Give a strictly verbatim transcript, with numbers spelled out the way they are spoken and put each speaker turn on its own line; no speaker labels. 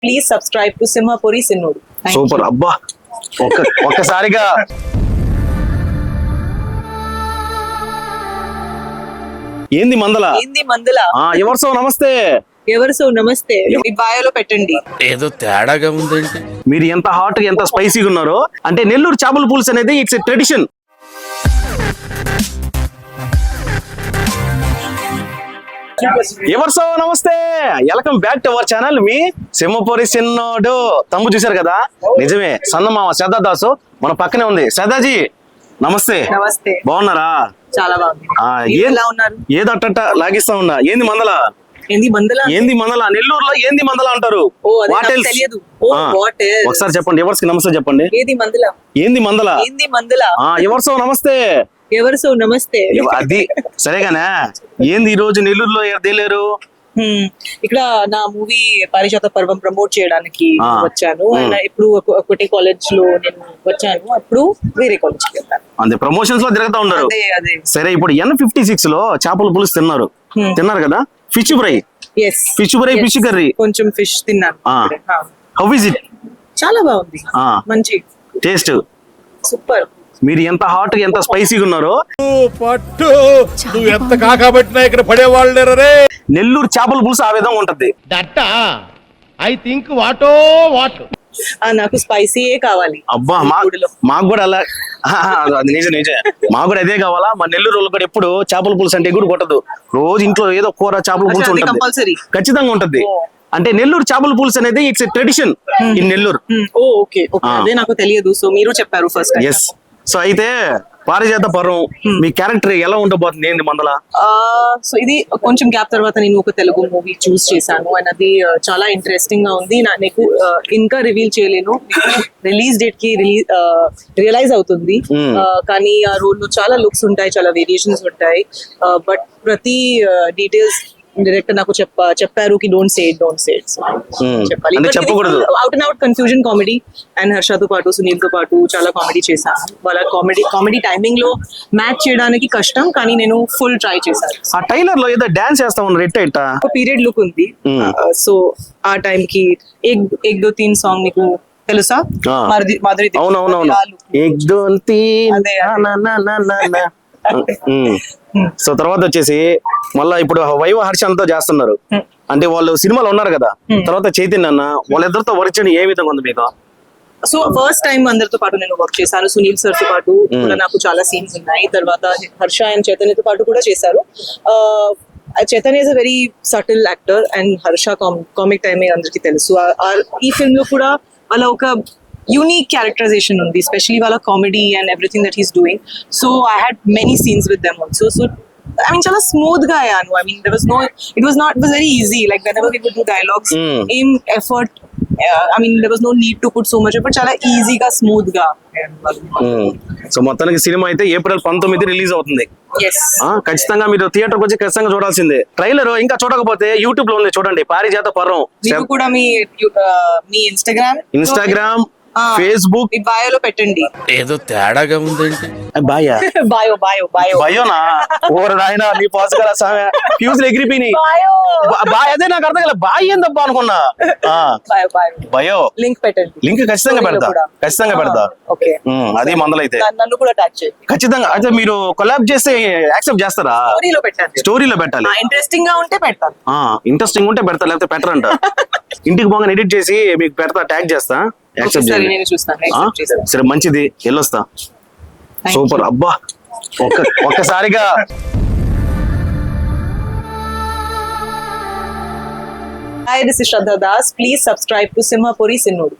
Please subscribe to Simhapuri సిన్నోడు.
Super అబ్బా ఒక్క ఒక్కసారిగా ఏంది మందల
ఏంది మందుల
ఆ ఎవరు సో నమస్తే
ఎవరు సో నమస్తే మీ బాయోలో పెట్టండి.
ఏదో తేడాగా ఉందేంటి?
మీరు ఎంత హాట్ ఎంత స్పైసీగా ఉన్నారో అంటే నెల్లూరు చేపల పులుసు అనేది ఇట్స్ ఎ ట్రెడిషన్. ఎవరు so namaste welcome back to our channel. మీ సింహపురి సిన్నోడు తమ్ము చూశారు కదా, నిజమే సన్నమామ శ్రద్ధాదాసు మన పక్కనే ఉంది. శ్రద్ధాజీ నమస్తే.
నమస్తే.
బాగున్నారా?
చాలా బాగుంది.
ఆ,
మీరు
ఏం-
ఎలా ఉన్నారు?
ఏదట్టట లాగిస్తా ఉన్నా. ఏంది మందల
ఏంది మందుల
ఏంది మందల నెల్లూరులో ఏంది మందల అంటారు.
ఓ అది
What
నాకు
else?
తెలియదు. ఓ
ఆ,
వాట్
ఒకసారి చెప్పండి ఎవరికి నమస్తే చెప్పండి.
ఏది మందుల
ఏంది మందల
ఏంది మందుల
ఆ ఎవరు సో నమస్తే
ఎవరు సో నమస్తే.
ఎవ- అది సరేగానే ఏంది ఈ రోజు నెల్లూరులో తేలేరు?
హ్మ్. ఇక్కడ నా మూవీ పారిజాత పర్వం ప్రమోట్ చేయడానికి
ఆ.
వచ్చాను. అండ్ ఇప్పుడు ఒక- ఒకటే కాలేజ్ లో నేను వచ్చాను, అప్పుడు వేరే కాలేజ్ కి వెళ్తాను.
అంతే ప్రమోషన్స్ లో తిరుగుతా ఉన్నారు.
అదే అదే
సరే ఇప్పుడు ఎన్ ఫిఫ్టీ సిక్స్ లో చేపల పులుసు తిన్నారు
Hmm.
తిన్నారు కదా. Fish fry
yes
fish fry fish curry
కొంచెం ఫిష్ తిన్నాను.
ఆ.
ఆ.
హౌ ఇస్ ఇట్
చాలా బాగుంది.
ఆ.
మంచి
టేస్ట్?
సూపర్.
మీరు ఎంత హాట్ ఎంత స్పైసీగా ఉన్నారో
పట్టు నువ్వు ఎంత కాకబట్టినా ఇక్కడ పడేవాళ్ళు లేరు రే.
నెల్లూరు చేపల పులుసు ఆ విధంగా ఉంటది.
దట్ట ఐ థింక్ వాటో వాట్.
ఆ, నాకు స్పైసీయే కావాలి.
అబ్బా మా
గుడిలో.
మాకు కూడా అలా ఆహా, అది నిజం నిజం మాకు కూడా అదే కావాలా. మా నెల్లూరు వాళ్ళు కూడా ఎప్పుడు చేపల పులుసు అంటే ఎగురు కొట్టదు. రోజు ఇంట్లో ఏదో కూర చేపల పులుసు ఉంటుంది,
కంపల్సరీ.
ఖచ్చితంగా ఉంటది.
ఓ.
అంటే నెల్లూరు చేపల పులుసు అనేది it's a tradition in Nellore.
Oh okay okay
ఆ.
అదే నాకు తెలియదు, సో మీరు చెప్పారు ఫస్ట్.
ఎస్. సో అయితే పారిజాత పర్వం మీ క్యారెక్టర్ ఎలా ఉండబోతుంది ఏంది మందల?
సో ఇది కొంచెం గ్యాప్ తర్వాత నేను ఒక తెలుగు మూవీ చూస్ చేశాను, అండ్ అది uh, చాలా ఇంట్రెస్టింగ్ గా ఉంది. నా- నీకు uh, ఇంకా రివీల్ చేయలేను, రిలీజ్ డేట్ కి రిలీజ్ రియలైజ్ అవుతుంది.
Hmm.
Uh, కానీ ఆ రోల్ లో చాలా లుక్స్ ఉంటాయి, చాలా వేరియేషన్స్ ఉంటాయి, బట్ ప్రతి డీటెయిల్స్ డైరెక్టర్ నాకు చెప్ప చెప్పారు కి don't say it don't say it
Hmm.
చెప్పాలి.
అంటే చెప్పకూడదు.
Out and out confusion comedy, and హర్షతో పాటు సునీల్ తో పాటు చాలా కామెడీ చేశాను. వాళ్ళ కామెడీ కామెడీ టైమింగ్ లో మ్యాచ్ చేయడానికి కష్టం, కానీ నేను ఫుల్ ట్రై చేశాను.
ఆ టైలర్ లో ఏదో డాన్స్ చేస్తా ఉన్నారు ఎట్ట ఎట్ట.
ఒక పీరియడ్ లుక్ ఉంది.
Hmm.
సో ఆ టైం కి ఏక్ ఏక్ దో తీన్ సాంగ్ మీకు తెలుసా?
ఆ.
మాధురి మాధురి దీక్షిత్
అవునవునవును.
ఆ look.
ఏక్ దో తీన్
అదే, అదే.
నా నా నా నా నా. ఉమ్.
Hmm.
సో తర్వాత వచ్చేసి మళ్ళా ఇప్పుడు వైవ హర్షంతో చేస్తున్నారు.
Hmm.
అంటే వాళ్ళు సినిమాలో ఉన్నారు కదా.
Hmm.
తర్వాత చైతన్య అన్న వాళ్ళిద్దరితో వర్క్ చేయడం ఏ విధంగా ఉంది మీకు?
సో ఫస్ట్ టైం అందరితో పాటు నేను వర్క్ చేశాను. సునీల్ సార్ తో పాటు కూడా నాకు చాలా సీన్స్ ఉన్నాయి. తర్వాత హర్ష అండ్ చైతన్యతో పాటు కూడా చేశారు. Chaitanya is a very subtle actor, and Harsha comic timing అందరికి తెలుసు. ఆ- ఆ- ఈ ఫిల్మ్ లో కూడా వాళ్ళ ఒక యూనిక్ క్యారెక్టరైజేషన్ ఉంది, ఎస్పెషలీ వాళ్ళ comedy and everything that he's doing. So I had many scenes with them also. So I mean, చాలా స్మూత్ గా అయ్యాను. I mean, there was no, it was not, it was very easy. Like whenever we would do dialogues,
Mm.
aim, effort. Uh, I mean, there was no need to put so much effort. చాలా ఈజీగా smooth గా.
So మొత్తానికి cinema అయితే April పంతొమ్మిది release అవుతుంది.
Yes.
ఆ ఖచ్చితంగా మీరు థియేటర్కి వచ్చి ఖచ్చితంగా చూడాల్సిందే. ట్రైలర్ ఇంకా చూడకపోతే యూట్యూబ్ లో ఉంది చూడండి, పారిజాత పర్వం.
మీరు కూడా మీ uh, మీ ఇన్స్టాగ్రామ్
ఇన్స్టాగ్రామ్, ఫేస్బుక్.
మీ బయోలో పెట్టండి.
ఏదో తేడాగా ఉందేంటి?
బాయా
బయో బయో బయో
భయోనా ఓరు నాయన నీ పాస్ గల సామె ఫ్యూజ్ ఎగిరిపోయినాయి.
బయో
బా- బాయ్ అదే నాకు అర్థం కాలే, బాయ్ ఏందబ్బా అనుకున్నా. ఆ
బయో బయో
భయో
లింక్ పెట్టండి.
లింక్ ఖచ్చితంగా పెడతా, ఖచ్చితంగా పెడతా.
ఓకే.
ఉమ్, అది మందలైతే
నన్ను కూడా ట్యాగ్ చేయండి.
ఖచ్చితంగా. అయితే మీరు కొలాబ్ చేస్తే యాక్సెప్ట్ చేస్తారా?
స్టోరీలో పెట్టండి.
స్టోరీలో పెట్టాలి.
ఇంట్రెస్టింగ్ గా ఉంటే పెడతాను.
ఆ ఇంట్రెస్టింగ్ ఉంటే పెడతా, లేకపోతే పెట్టరంట. ఇంటికి పోగా ఎడిట్ చేసి మీకు పెడతా, ట్యాగ్ చేస్తా, యాక్సెప్ట్
సరే,
చేయండి.
నేను చూస్తాను.
ఆ?
accept చేస్తాను.
సరే మంచిది, వెళ్ళొస్తా.
Thank
super
you.
అబ్బా ఒక్క ఒక్కసారిగా
Hi, this is Shraddha Das. Please subscribe to Simhapuri Sinnoodu.